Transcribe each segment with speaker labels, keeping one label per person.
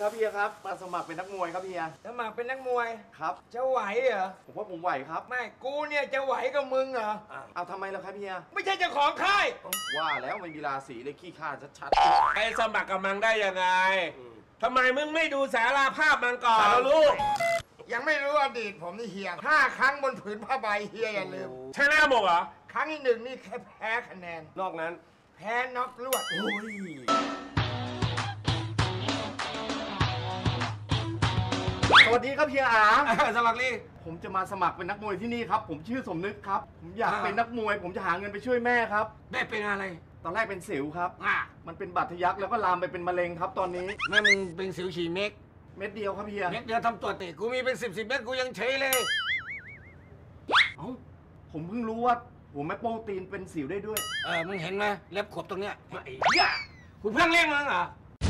Speaker 1: ครับพี่ครับมาสมัครเป็นนักมวยครับพี่
Speaker 2: สมัครเป็นนักมวย
Speaker 1: ครับ
Speaker 2: จะไหวเหรอ
Speaker 1: ผมว่าผมไหวครับ
Speaker 2: ไม่กูเนี่ยจะไหวกับมึงเหรอ
Speaker 1: เอาทำไมล่ะครับพี่
Speaker 2: ไม่ใช่เจ้าของค่าย
Speaker 1: ว่าแล้วไม่มีราศีเลยขี้ข้าชัด
Speaker 3: ๆไปสมัครกับมังได้ยังไงทำไมมึงไม่ดูสาราภาพมังก่อนลูก
Speaker 2: ยังไม่รู้อดีตผมนี่เฮีย5 ครั้งบนผืนผ้าใบเฮียอย่าลืม
Speaker 3: ชนะหมดเหรอ
Speaker 2: ครั้งที่1นี่แค่แพ้คะแนน
Speaker 3: นอกนั้น
Speaker 2: แพ้น็อกลวด
Speaker 1: สวัสดีครับพี่
Speaker 3: สมัครลี่
Speaker 1: ผมจะมาสมัครเป็นนักมวยที่นี่ครับผมชื่อสมนึกครับผมอยากเป็นนักมวยผมจะหาเงินไปช่วยแม่ครับ
Speaker 2: แม่เป็นอะไร
Speaker 1: ตอนแรกเป็นสิวครับมันเป็นบาดทะยักแล้วก็ลามไปเป็นมะเร็งครับตอนนี้
Speaker 2: แม่มึงเป็นสิวฉี่เม็ด
Speaker 1: เดียวครับพี่
Speaker 2: เม็ดเดียวทำตัวติกูมีเป็น10เม็ดกูยังเฉยเลย
Speaker 1: ผมเพิ่งรู้ว่าหัวแม่โป้ตีนเป็นสิวได้ด้วย
Speaker 2: มึงเห็นไหมเล็บขบตรงเนี้ยไอ้เหี้ยกูเพิ่งเลี้ยงมึงเหรอ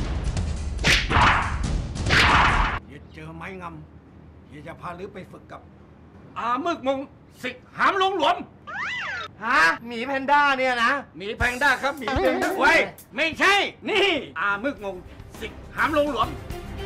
Speaker 2: อย่าเจอไม้งำอย่าจะพาลือไปฝึกกับมึกมงสิกหามลงหลวม
Speaker 1: หมีแพนด้าเนี่ยนะ
Speaker 2: หมีแพนด้าครับหมีแพนด้าไว้ไม่ใช่นี่มึกมงสิกหามลงหลวม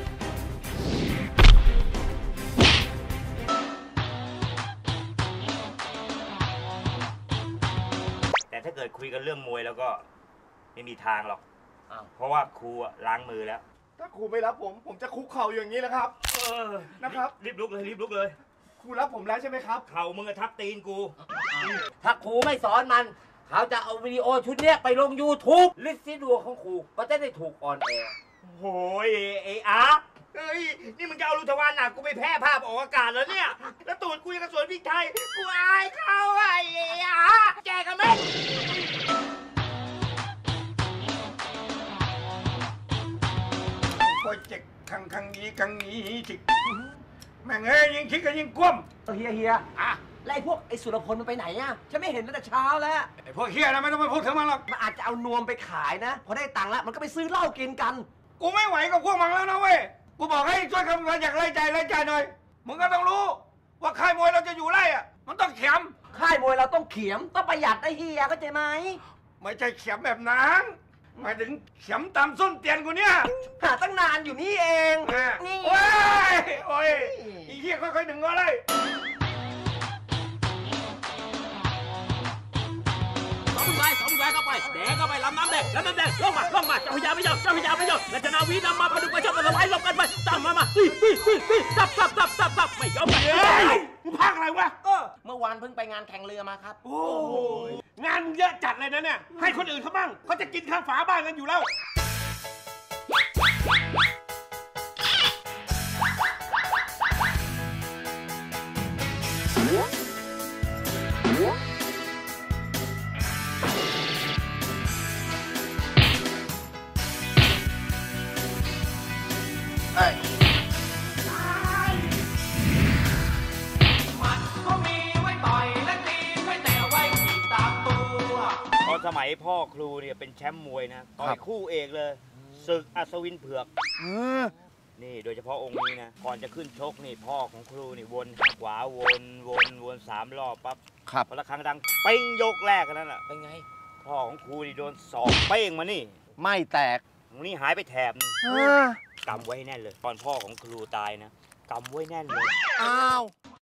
Speaker 4: แต่ถ้าเกิดคุยกันเรื่องมวยแล้วก็ไม่มีทางหรอกเพราะว่าครูล้างมือแล้ว
Speaker 1: ถ้าครูไม่รับผมจะคุกเข่าอย่างนี้แล้วครับนะครับ
Speaker 4: รีบลุกเลย
Speaker 1: ครูรับผมแล้วใช่ไหมครับ
Speaker 4: เข่ามึงทับตีนกู
Speaker 5: ถ้าครูไม่สอนมันเขาจะเอาวิดีโอชุดนี้ไปลง YouTube ลิสต์ที่ดวงของครูก็จะได้ถูกออนแอร์
Speaker 4: โอ้ยไอ้อาเฮ้ยนี่มึงจะเอาลูกทวารหนักกูไปแพร่ภาพออกอากาศแล้วเนี่ยแล้วตูดกูยังกระสวนพริกไทยกูอายเขาไอ้อาแจกกันไหม
Speaker 2: โปรเจกต์ครั้งนี้จิกแม่งยิ่งคิดกันยิ่งกลุ้ม
Speaker 5: เฮียไล่พวกไอ้สุรพลมันไปไหนอ่ะฉันไม่เห็นตั้งแต่เช้าแล้ว
Speaker 2: ไอ้พวกเฮียนะไม่ต้องไปพูดถึงมันหรอก
Speaker 5: มันอาจจะเอานวมไปขายนะพอได้ตังค์แล้วมันก็ไปซื้อเหล้ากินกัน
Speaker 2: กูไม่ไหวกับพวกมันแล้วนะเว้ยกูบอกให้ช่วยคำนวณอยากไล่ใจหน่อยมึงก็ต้องรู้ว่าค่ายมวยเราจะอยู่ไล่อ่ะมันต้องเข็ม
Speaker 5: ค่ายมวยเราต้องเข็มต้องประหยัดได้เฮียเข้าใจไหม
Speaker 2: ไม่ใช่เข็มแบบนั้นหมายถึงเข็มตามส้นเตียนกูเนี่ย
Speaker 5: หาตั้งนานอยู่นี่เอง
Speaker 2: นี่โอ้ยอีเหี้ยค่อยๆดึงก็เลย
Speaker 6: สองใบเข้าไปแดงเข้าไปลำน้ำแดงลงมาเจ้าพญาไม่ยอมและชนะวีนำมาพดุงไปชอบกันสบายลงกันไปตามมาตีสับไม่ยอมไป
Speaker 2: มึงพากอะไรวะ
Speaker 5: เมื่อวานเพิ่งไปงานแข่งเรือมาครับ
Speaker 2: โอ้ยงานเยอะจัดเลยนะเนี่ยให้คนอื่นเขาบ้างเขาจะกินข้าวฝาบ้านกันอยู่แล้ว
Speaker 4: สมัยพ่อครูเนี่ยเป็นแชมป์มวยนะต่อยคู่เอกเลยศึกอัศวินเผือกนี่โดยเฉพาะองค์นี้นะก่อนจะขึ้นชกนี่พ่อของครูนี่วนขวาวน3 รอบปั๊บพอละครั้งดังเป้งยกแรกกันนั่นแหละ
Speaker 5: เป็นไง
Speaker 4: พ่อของครูนี่โดนศอกเป้งมานี่
Speaker 1: ไม่แตก
Speaker 4: ตรงนี้หายไปแถบกำไว้แน่นเลยตอนพ่อของครูตายนะกำไว้แน่นเลย
Speaker 1: อ้าว